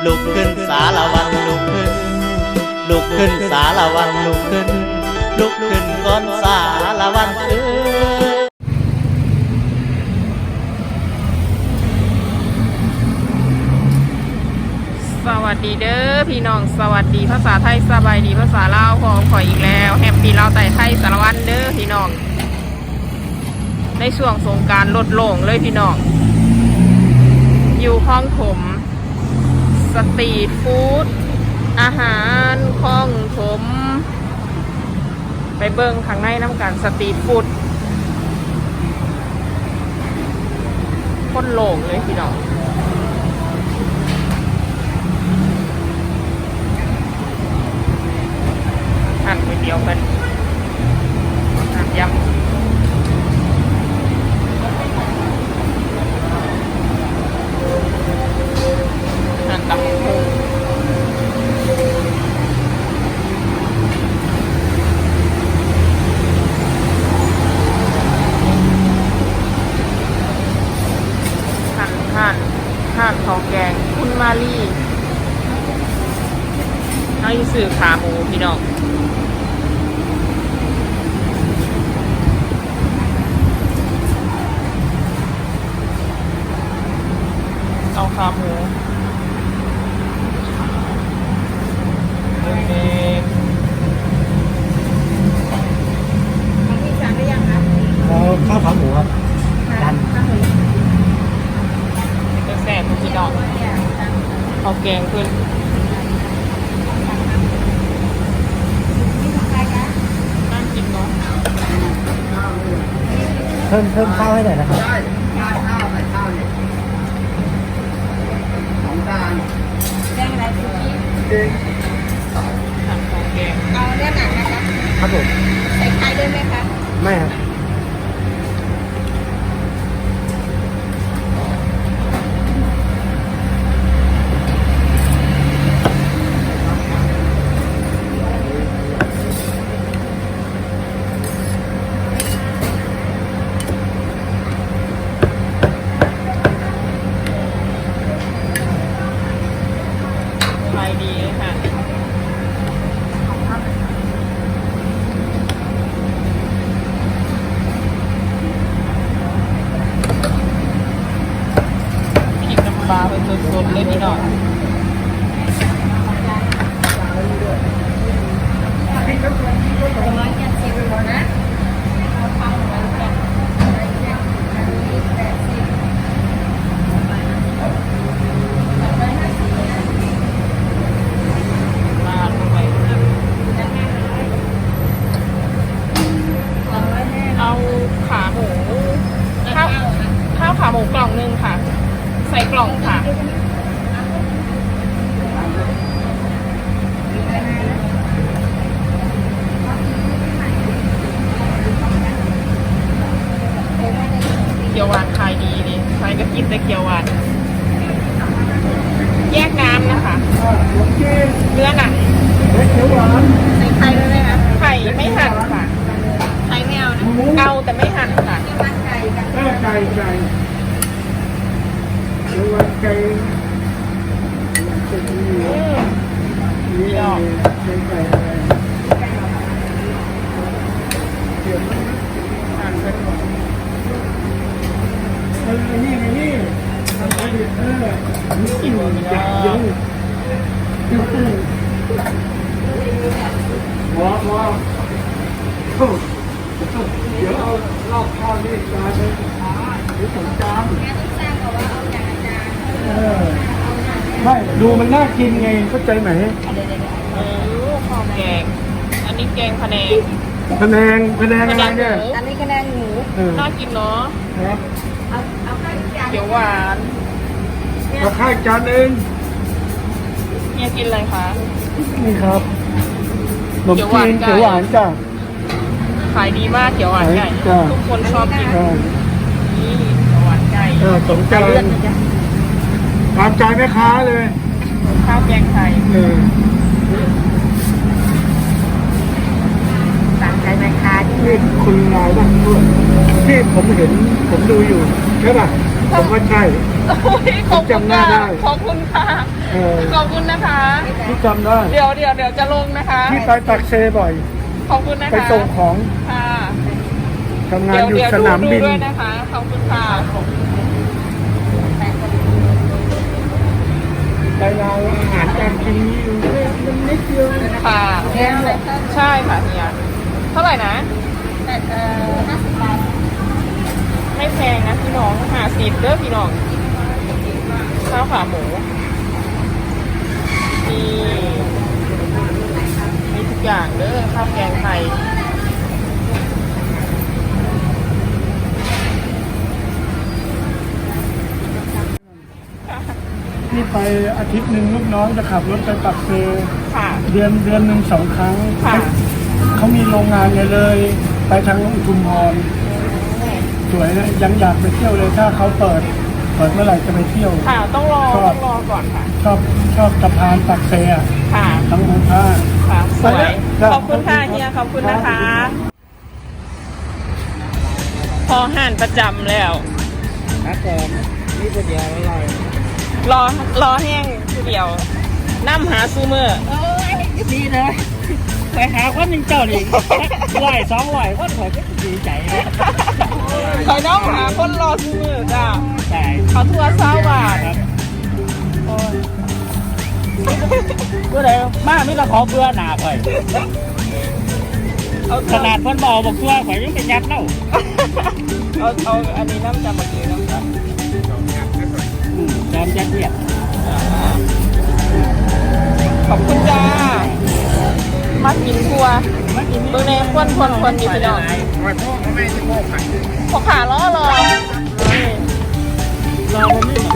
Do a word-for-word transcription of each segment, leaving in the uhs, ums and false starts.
ลุกขึ้นสารวันลุกขึ้นลุกขึ้นสารวันลุกขึ้นลุกขึ้นก่อนสารวันเอ้ยสวัสดีเด้อพี่น้องสวัสดีภาษาไทยสบายดีภาษาลาวพอขออีกแล้วแฮปปี้ลาวไต่ไทยสารวันเด้อพี่น้องในช่วงสงกรานต์ลดโล่งเลยพี่น้องอยู่คลองถมสตรีทฟู้ดอาหารคลองถมไปเบิ้งข้างในน้ำกันสตรีทฟู้ดคนโล่งเลยพี่น้องหั่นก๋วยเตี๋ยวกันหั่นยำหั่นตับหมูหั่นหั่นหั่นข้าวแกงคุณมาลีให้สื่อขาหมูพี่น้องเอาขาหมูโอเคพี่สั่งได้ยังคะเอาข้าวขาหมูครับดันจะแสบพี่น้องเอาแกงขึ้นน่ากินเนาะเพิ่มเพิ่มข้าวให้หน่อยนะครับได้ข้าวข้าวใส่ข้าวเนี่ยของจานแดงอะไรคุกกี้จริงสั่งของแกงเอาเนื้อหนังนะคะครับผมใส่ไข่ด้วยไหมคะไม่ครับขายดีเลยค่ะพริกน้ำปลาเป็นสดๆเลยพี่น้องร้อยเจ็ดสิบนะเอาข้าวร้อยแปดร้อยเจ็ดอันนี้แปดสิบร้อยห้าสิบมาลงไปแล้วแม่สองร้อยแม่เอาขาหมูข้าวข้าวขาหมูกล่องหนึงค่ะ ใส่กล่องค่ะเกี๊ยวหวานขายดีดิใครก็กินแต่เกี๊ยวหวานแยกน้ำนะคะเนื้อหนังเขียวหวานใส่ไข่ด้วยไหมคะไข่ไม่หั่นค่ะไข่ไม่เอานะเอาแต่ไม่หั่นค่ะที่มันไก่กับไก่ไก่ไก่เขียวหวานไก่อืมนี่ดอกไก่ไก่อะไรเดี๋ยวหั่นเป็นเออนี่ไงนี่เออเออกินจับยงว้าวว้าวเดี๋ยวเอารอบข้าวนี่จานเลยหรือสองจานแม่ต้องสร้างก่อนว่าเอาอย่างอาจารย์เออไม่ดูมันน่ากินไงเข้าใจไหมเออข้าวแกง อันนี้แกงพะแนงพะแนงพะแนงอะไรเนี่ยอันนี้คะแนนหมูเออน่ากินเนาะครับเอาเอาข้าวจานเกี๊ยวหวานเอาข้าวจานเองเนี่ยกินอะไรคะนี่ครับขนมเขียวหจีวานนไก่เขียวหวานจ้ะขายดีมากเกี๊ยวหวานไก่จ้ะทุกคนชอบกินเออนี่เกี๊ยวหวานไก่เออสองจานตามใจแม่ค้าเลยข้าวแกงไทยเออต่างใจไหมคะที่นี่คุณลาวบ้างด้วยที่ผมเห็นผมดูอยู่ใช่ป่ะผมว่าใช่โอ้ยขอบคุณจำหน้าค่ะได้ขอบคุณค่ะเออขอบคุณนะคะที่จำได้เดี๋ยวเดี๋ยวเดี๋ยวจะลงนะคะที่ไปปักเซบ่อยขอบคุณนะคะไปส่งของค่ะทำงานเดี๋ยวอยู่เดี๋ยวสดูนามดูบินด้วยนะคะ ขอบคุณค่ะไปเราอาหารการกินนี่มันนิดเดียวค่ะแพงเลยค่ะใช่ค่ะเฮียเท่าไหร่นะแต่เอ่อห้าสิบบาทไม่แพงนะพี่น้องหาสิบเด้อพี่น้องข้าวขาหมูมีมีทุกอย่างเด้อข้าวแกงไทยนี่ไปอาทิตย์หนึ่งลูกน้องจะขับรถไปปักเซค่ะเดือนเดือนหนึ่งสองครั้งค่ะเขามีโรงงานเนี่ยเลย ไปทางอุทุมพรสวยนะยังอยากไปเที่ยวเลยถ้าเขาเปิด เปิดเมื่อไหร่จะไปเที่ยวค่ะต้องรอต้องรอก่อนค่ะชอบชอบสะพานปักเซอะค่ะทั้งหมู่ท่าค่ะสวยครับขอบคุณค่ะเฮียขอบคุณนะคะ พอห่านประจำแล้วครับผมนี่เป็นเดียวอร่อยรอรอแห้งคือเดียวน้ำหาซูเมอร์เอ้ยดีเลยไปหาคนหนึ่งเจ้าดิไหวสองไหวคนข่อยก็ดีใจนะคอยน้องหาคนรอซูเมอร์จ้าใช่เขาทัวร์เศร้าบาทครับเมื่อไหร่มาไม่ต้องขอเบื่อหนาข่อยเอาขนาดเพิ่นบอกบอกตัวข่อยยังเป็นยัดเล่าเอาเอาอันนี้น้ำจำบักเกลือน้ำครับอืมแจมยัดเยียดขอบคุณจ้า มากินทัวร์เบอร์เนควนคนคนดีพี่น้องข่อยพ่อเขาไม่ใช่พ่อข่อยพอขาล้อรอรอผมนี่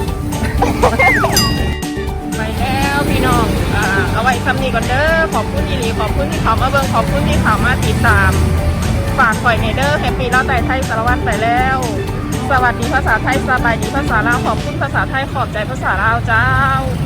ไปแล้วพี่น้องอ่าเอาไว้คำนี้ก่อนเด้อขอบคุณอีหลีขอบคุณที่เขามาเบิ่งขอบคุณที่เขามาติดตาม ฝากข่อยในเด้อแฮปปี้เล่าแต่ไทยสารวัตรไปแล้ว สวัสดีภาษาไทยสบายดีภาษาลาวขอบคุณภาษาไทยขอบใจภาษาลาวเจ้า